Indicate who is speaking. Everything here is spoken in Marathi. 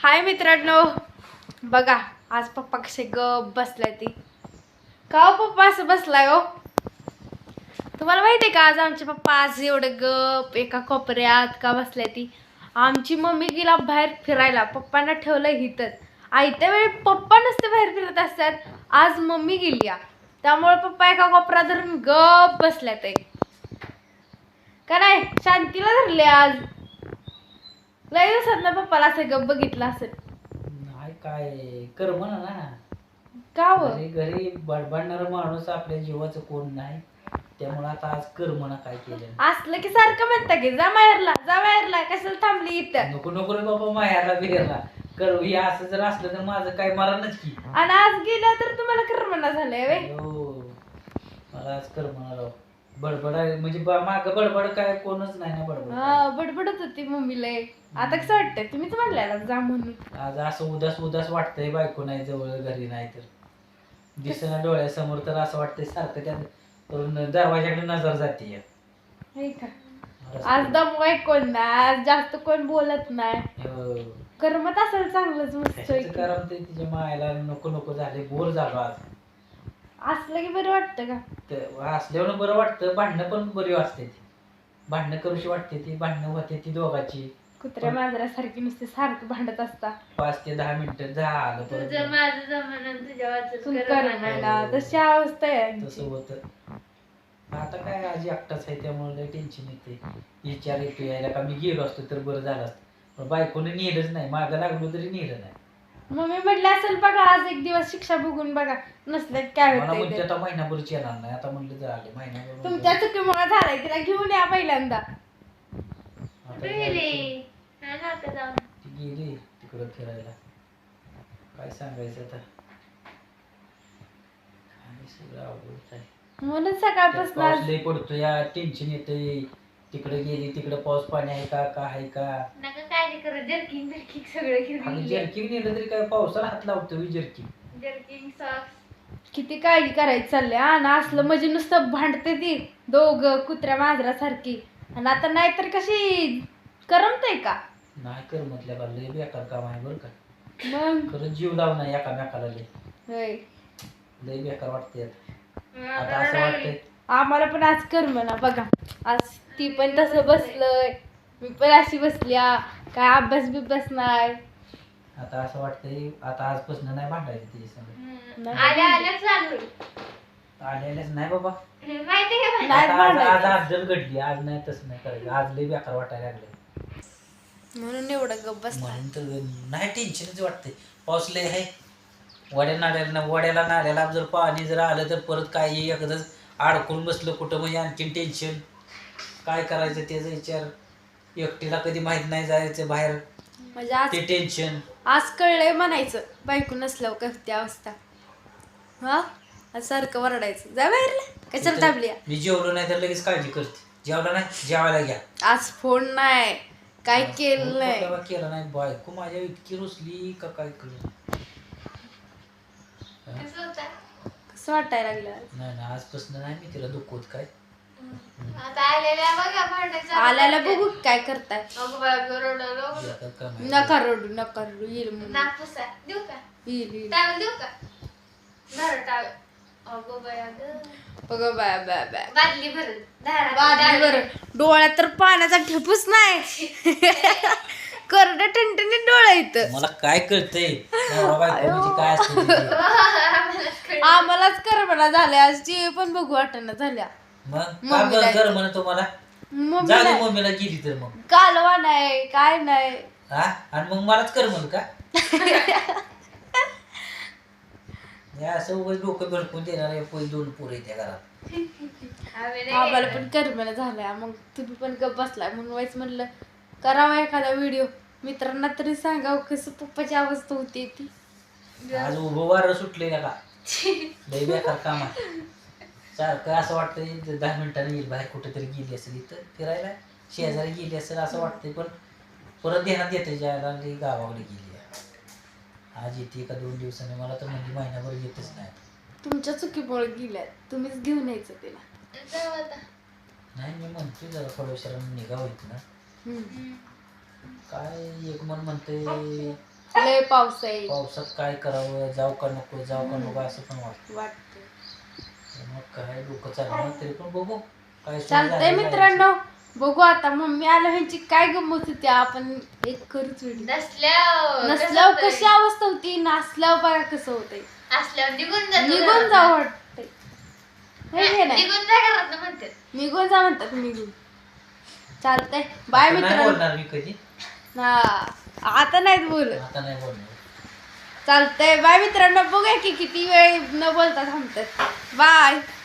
Speaker 1: हाय मित्रांनो, बघा आज पप्पा कसे गप बसलाय ती. का हो पप्पा असं बसलाय हो? तुम्हाला माहिती आहे का आज आमचे पप्पा आज एवढं गप एका कोपऱ्यात का बसलाय ती? आमची मम्मी गेला बाहेर फिरायला, पप्पांना ठेवलं इथंच. आयत्या वेळी पप्पा नसते बाहेर फिरत असतात, आज मम्मी गेली त्यामुळे पप्पा एका कोपऱ्यात धरून गप बसल्यात का नाही? शांतीला धरले आज. लय दिवसात ना पप्पाला असं गप बघितलं असेल.
Speaker 2: नाही काय कर म्हणा ना.
Speaker 1: का हो?
Speaker 2: घरी घरी बडबडणारा माणूस आपल्या जीवाचं कोण नाही, त्यामुळे आता आज कर म्हणा काय केलं.
Speaker 1: असलं की सारखं म्हणता की जा माहेरला कशाला थांबली इथं.
Speaker 2: नको नको रे बाबा माहेरला बिहेरला कर. हे असं जर असलं तर माझं काय मरणच की.
Speaker 1: आणि आज गेल्या तर तुम्हाला करमना झालंय वे.
Speaker 2: हो मला आज कर म्हणा राव. बडबड आहे म्हणजे माग बडबड काय कोणच नाही ना बडबड.
Speaker 1: हा बडबडत होती मम्मीला. आता कसं वाटतंय? तुम्हीच म्हणलेला जा म्हणून.
Speaker 2: आज असं उदास उदास वाटतंय, बायको नाही जवळ, घरी नाही तर दिसना डोळ्यासमोर, तर असं वाटतंय सारखं त्या दरवाजाकडे नजर जाते.
Speaker 1: हे का आज दमवाय कोण नाही, आज जास्त कोण बोलत नाही, करमत असेल चांगलंच मस्त.
Speaker 2: कारण ते तिच्या मायला नको नको झाले, बोर झालो आज.
Speaker 1: असलं की बरं वाटतं का?
Speaker 2: असल्यावर बरं वाटतं. भांडणं पण बरी वाटते ती, भांडणं करूशी वाटते ती, भांडणं होते ती दोघाची.
Speaker 1: कुत्र्या मांजरासारखी नुसते सारखं भांडत असता.
Speaker 2: 5 ते 10 मिनिटं झालं
Speaker 1: तुझं माझं जमाना तुझ्या तशी अवस्था आहे.
Speaker 2: तसं होतं. आता काय आजी एकटाच आहे त्यामुळे लय टेन्शन येते. विचार येतो यायला का मी गेलो असतो तर बरं झालं असतं, पण बायकोने नेलंच नाही. मागं लागलो तरी नेलं नाही.
Speaker 1: मम्मी म्हटलं असेल बघा आज एक दिवस शिक्षा बघून बघा, नसल्यात काय
Speaker 2: मला
Speaker 1: होतंय
Speaker 2: म्हणजे
Speaker 1: ते.
Speaker 2: आता महिनाभरच येणार नाही. आता म्हणलं झाले महिनाभर.
Speaker 1: तुमच्या चुकीमुळे झालाय, तिला घेऊन या पहिल्यांदा.
Speaker 2: आता ती गेली तिकडं फिरायला. काय सांगायचं आता, आणि सगळं अवघड आहे.
Speaker 1: म्हणून सकाळपासून
Speaker 2: पाऊस
Speaker 1: आज
Speaker 2: लय पडतो या, टेन्शन येतंय. तिकडे गेली तिकडे पाऊस पाणी आहे का आहे का.
Speaker 1: नका काय करत जर्किंग बिर्किंग सगळं घेऊन
Speaker 2: जर्किंग नेलं तरी काय पावसाला हात लावतो
Speaker 1: जर्किंग सॉक्स. किती काळजी करायची चालली आणि असलं म्हणजे नुसतं भांडते ती दोघं कुत्र्या मांजरासारखी. आणि आता नाहीतर कशी करमतय का?
Speaker 2: नाही कर म्हटल्या का लय बेकार काम आहे बरं का.
Speaker 1: मग
Speaker 2: खरंच जीव लाव नाही एकामेकाला लय
Speaker 1: होय.
Speaker 2: लय बेकार वाटते. आता असं वाटतंय
Speaker 1: आम्हाला पण आज करमना बघा. आज ती पण तसं बसलंय, मी पण अशी बसल्या, काय अभ्यास बिभ्यास नाही.
Speaker 2: आता असं वाटतंय आता आजपासून नाही भांडायचं तिच्या संग. आलेलेच नाही बाबा. आज जल घडली. आज नाही तसं नाही करायचं. आज लय बेकार वाटायला लागलं
Speaker 1: म्हणून एवढं गप्प बस.
Speaker 2: म्हणून तर नाही टेन्शनच वाटतंय. पाऊस लय आहे. वड्याला नाल्याला जर पाणी जर आलं तर परत काय एकदाच अडकून बसलं कुठं म्हणजे आणखीन टेन्शन. काय करायचं त्याचा विचार. एकटीला कधी माहित नाही जायचं बाहेर,
Speaker 1: म्हणजे आज
Speaker 2: ते टेन्शन.
Speaker 1: आज कळलंय म्हणायचं बायको नसल्यावर कसती अवस्था. हा आज सारखं वरडायचं जा बाहेरला कशाला दाबली.
Speaker 2: मी जेवलो नाही तर लगेच काळजी करते. जेवलं नाही जेवायला घ्या.
Speaker 1: आज फोन नाही काय केलं नाही.
Speaker 2: केलं नाही. बायको माझ्या इतकी रुसली का काय करू.
Speaker 1: कसं वाटायला लागलं?
Speaker 2: नाही ना आजपासून नाही मी तिला दुखवत काय.
Speaker 1: आल्याला बघू काय करताय. नका रडू येईल डोळ्यात तर पाण्याचा ठेपूच नाही. करड टणटणीत डोळा इथं.
Speaker 2: मला काय कळतंय काय असतं.
Speaker 1: आम्हालाच करमना झाल्या आज. टीव्ही पण बघू वाटणं झाल्या.
Speaker 2: मग घर म्हणतो मला मम्मीला गेली तर मग
Speaker 1: कालवा नाही काय नाही.
Speaker 2: हा आणि मग मलाच कर म्हण का. असं उगाच डोकं भडकून देणार. 2 पोरं त्या घरात.
Speaker 1: आम्हाला पण करमना झाल्या. मग तुम्ही पण गप बसलाय म्हणून वाईच म्हणलं करावा एखादा व्हिडिओ, मित्रांना तरी सांगावं कसं पप्पाची अवस्था होती ती.
Speaker 2: आज उभं वारं सुटले का लय बेकार काम आहे. सारखं असं वाटतंय 10 मिनिटांनी येईल बाहेर कुठेतरी गेली असेल, इथं फिरायला शेजारी गेली असेल असं वाटतंय. पण परत ध्यानात येते जायला गावाकडे गेली. आज येते का 2 दिवसांनी. मला तर म्हणजे महिनाभर येतच नाही.
Speaker 1: तुमच्या चुकीमुळे गेल्या, तुम्हीच घेऊन यायचं तिला.
Speaker 2: नाही मी म्हणतोय जरा थोड्या निघा होईत ना. काय एक मन म्हणते
Speaker 1: लय पाऊस आहे
Speaker 2: पावसात काय करावं, जाऊ का नको असं पण वाटतं.
Speaker 1: वाटतं.
Speaker 2: मग काय डोकं चालणार तरी पण बघू काय सोय
Speaker 1: चालतंय
Speaker 2: झाली
Speaker 1: मित्रांनो, बघू आता मम्मी आलं ह्यांची काय गंमत होती. आपण एक करूच व्हिडिओ. नसल्यावर कशी अवस्था होती, नासल्यावर बघा कसं होतंय.
Speaker 3: असल्यावर निघून
Speaker 1: निघून जाऊ वाटतंय. हे घे नाही,
Speaker 3: निघून जा घरात म्हणते.
Speaker 1: निघून जा म्हणतात. निघून चालतंय. बाय
Speaker 2: आता नाही
Speaker 1: मित्रांनो.
Speaker 2: बोलणार मी कधी,
Speaker 1: हा आता नाहीत बोलत.
Speaker 2: आता नाही बोलणार.
Speaker 1: चालतंय. बाय मित्रांनो. बघूया की किती वेळ न बोलता थांबतात. बाय.